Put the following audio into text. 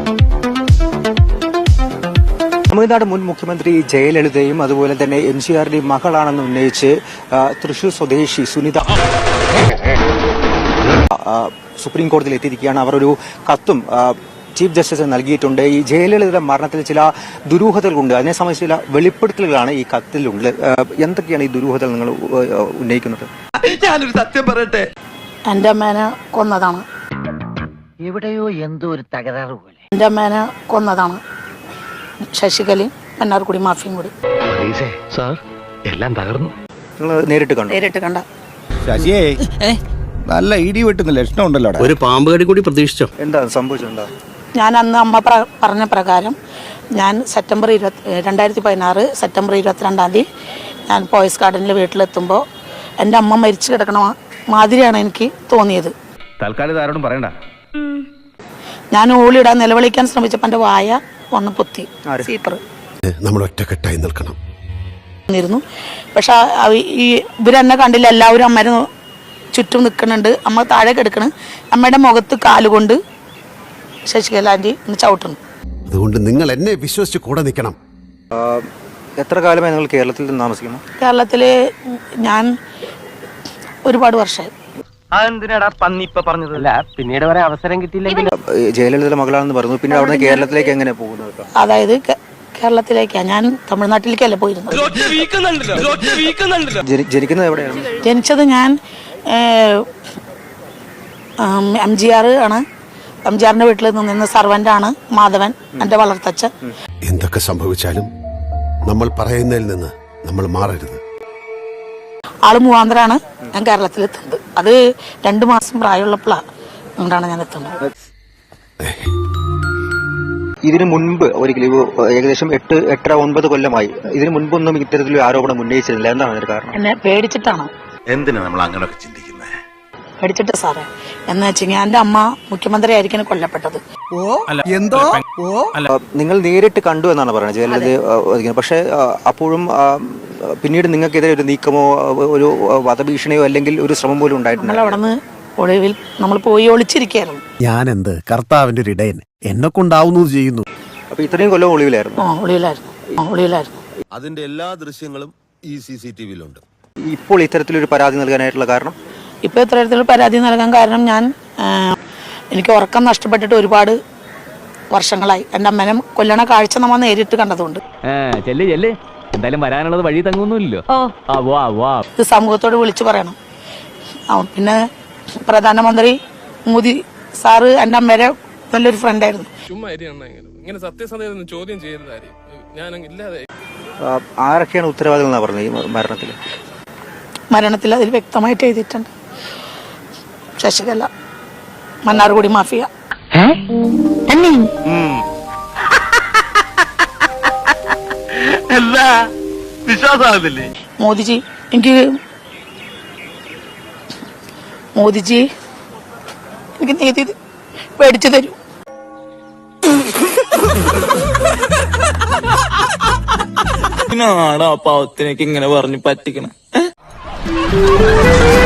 തമിഴ്നാട് മുൻ മുഖ്യമന്ത്രി ജയലളിതയും അതുപോലെ തന്നെ എംജിആറിന്റെയും മകളാണെന്ന് ഉന്നയിച്ച് തൃശൂർ സ്വദേശി സുനിത സുപ്രീം കോടതിയിൽ എത്തിയിരിക്കുകയാണ്. അവർ ഒരു കത്തും ചീഫ് ജസ്റ്റിസിന് നൽകിയിട്ടുണ്ട്. ഈ ജയലളിതയുടെ മരണത്തിൽ ചില ദുരൂഹതകളുണ്ട്, അതിനെ സംബന്ധിച്ച് ചില വെളിപ്പെടുത്തലുകളാണ് ഈ കത്തിലുള്ളത്. എന്തൊക്കെയാണ് ഈ ദുരൂഹതകൾ നിങ്ങൾ ഉന്നയിക്കുന്നത്? ഞാനൊരു സത്യം പറയട്ടെ, എന്റെ അമ്മേനെ കൊന്നതാണ്. എവിടെയോ എന്തോ ഒരു തകരാറ് പോലെ. എന്റെ അമ്മേനെ കൊന്നതാണ് ശശികലയും മന്നാർക്കുടി മാഫിയും കൂടി. സാർ എല്ലാം തകർന്നു. നിങ്ങൾ നേരിട്ട് കണ്ട ശശിയേ നല്ല ഇടി വെട്ടുന്ന ലക്ഷണം ഉണ്ടല്ലോ. ഒരു പാമ്പ് കടി കൂടി പ്രതീക്ഷിച്ചോ? എന്താ സംഭവിച്ചെന്താ? ഞാൻ അന്ന് അമ്മ പറഞ്ഞ പ്രകാരം ഞാൻ 2016 സെപ്റ്റംബർ 22 ഞാൻ പോയസ് ഗാർഡനിൽ വീട്ടിലെത്തുമ്പോൾ എൻ്റെ അമ്മ മരിച്ചു കിടക്കണ മാതിരിയാണ് എനിക്ക് തോന്നിയത്. തൽക്കാലം ആരോടും പറയണ്ട. ഞാൻ ഓളിയിടാൻ നിലവിളിക്കാൻ ശ്രമിച്ചപ്പോൾ എൻ്റെ വായ ഒന്ന് പൊത്തി. സീപ്പർ നമ്മൾ ഒറ്റക്കെട്ടായി നിൽക്കണം. പക്ഷെ ഈ ഇവരെന്നെ കണ്ടില്ല. എല്ലാവരും അമ്മേനെ ചുറ്റും നിൽക്കുന്നുണ്ട്. അമ്മ താഴെ കിടക്കണ്. അമ്മയുടെ മുഖത്ത് കാലുകൊണ്ട് ശശികലാൻറ്റി ഒന്ന് ചവിട്ടുന്നു. അതുകൊണ്ട് നിങ്ങൾ എന്നെ വിശ്വസിച്ച് കൂടെ നിൽക്കണം. എത്ര കാലമായി നിങ്ങൾ കേരളത്തിൽ താമസിക്കുന്നു? കേരളത്തിൽ ഞാൻ ഒരുപാട് വർഷമായി. അതെന്തിനാടാ പന്നി ഇപ്പൊ പറഞ്ഞത്? അല്ല, പിന്നീട് വരെ അവസരം കിട്ടിയില്ലെങ്കിൽ. ജയലളിതയുടെ മകളാണെന്ന് പറഞ്ഞു. പിന്നെ അവിടെ കേരളത്തിലേക്ക് എങ്ങനെ പോകുന്നത്? അതായത് കേരളത്തിലേക്കാ, ഞാൻ തമിഴ്നാട്ടിലേക്കല്ല പോയിരുന്നത്. ജനിക്കുന്നത് എവിടെയാണ്? ജനിച്ചത് ഞാൻ MGR ആണ്. MGRന്റെ വീട്ടിൽ നിന്ന സർവന്റാണ് മാധവൻ, എൻ്റെ വളർത്തച്ഛൻ. എന്തൊക്കെ സംഭവിച്ചാലും നമ്മൾ പറയുന്നതിൽ നിന്ന് നമ്മൾ മാറരുത്. ആള് മൂവാന്തരാണ് ഞാൻ കേരളത്തിലെത്തുന്നത്. അത് 2 മാസം പ്രായമുള്ളപ്പോഴാണ് അതുകൊണ്ടാണ് ഞാൻ എത്തുന്നത്. ഇതിനു മുൻപ് ഒരിക്കലും ഏകദേശം 8-9 കൊല്ലമായി ഇതിനു മുൻപൊന്നും ഇത്തരത്തിലൊരു ആരോപണം ഉന്നയിച്ചിരുന്നില്ല. എന്താണ് അതിന് കാരണം? എന്നെ പേടിച്ചിട്ടാണ്. എന്തിനാ നമ്മൾ അങ്ങനെയൊക്കെ ചിന്തിക്കുന്നത്? പേടിച്ചിട്ട് സാറേ. എന്ന് വെച്ചാൽ എൻ്റെ അമ്മ മുഖ്യമന്ത്രി ആയിരിക്കും കൊല്ലപ്പെട്ടത്. നിങ്ങൾ നേരിട്ട് കണ്ടു എന്നാണ് പറയുന്നത് ജയലളിത. പക്ഷെ അപ്പോഴും പിന്നീട് നിങ്ങൾക്കെതിരെ ഒരു നീക്കമോ ഒരു വധഭീഷണിയോ അല്ലെങ്കിൽ ഒരു ശ്രമം പോലും ഉണ്ടായിട്ടുണ്ട്? നമ്മൾ അവിടെ നിന്ന് ഒളിവിൽ നമ്മൾ പോയി ഒളിച്ചിരിക്കുകയായിരുന്നു. ഞാൻ എന്ത് കർത്താവിന്റെ ഒരു ഇടയൻ, എന്നെ കൊണ്ടാവുന്നത് ചെയ്യുന്നു. അപ്പൊ ഇത്രയും കൊല്ലം ഒളിവിലായിരുന്നു? ഒളിവിലായിരുന്നു. അതിന്റെ എല്ലാ ദൃശ്യങ്ങളും ഈ CCTV-യിലുണ്ട്. ഇപ്പോൾ ഇത്തരത്തിലൊരു പരാതി നൽകാനായിട്ടുള്ള കാരണം? ഇപ്പോൾ ഇത്തരത്തിലൊരു പരാതി നൽകാൻ കാരണം എനിക്ക് ഉറക്കം നഷ്ടപ്പെട്ടിട്ട് ഒരുപാട് വർഷങ്ങളായി. എൻ്റെ അമ്മനെ കൊല്ലണ കാഴ്ച നമ്മൾ നേരിട്ട് കണ്ടതുകൊണ്ട്. എന്തായാലും വരാനുള്ളത് വഴി തങ്ങുന്നില്ലല്ലോ. ഇത് സമൂഹത്തോട് വിളിച്ചു പറയണം. പിന്നെ പ്രധാനമന്ത്രി മോദി സാറ് എൻ്റെ അമ്മയുടെ നല്ലൊരു ഫ്രണ്ടായിരുന്നു. ആരൊക്കെയാണ് ഉത്തരവാദികൾ എന്നാ പറഞ്ഞത് ഈ മരണത്തിൽ? അതിൽ വ്യക്തമായിട്ട് എഴുതിയിട്ടുണ്ട്. ശശികല, മന്നാർകുടി മാഫിയ. വിശ്വാസമാകുന്നില്ലേ? മോദിജി എനിക്ക് നീതി മേടിച്ചു തരൂ. പാവത്തിനൊക്കെ ഇങ്ങനെ പറഞ്ഞു പറ്റിക്കണം.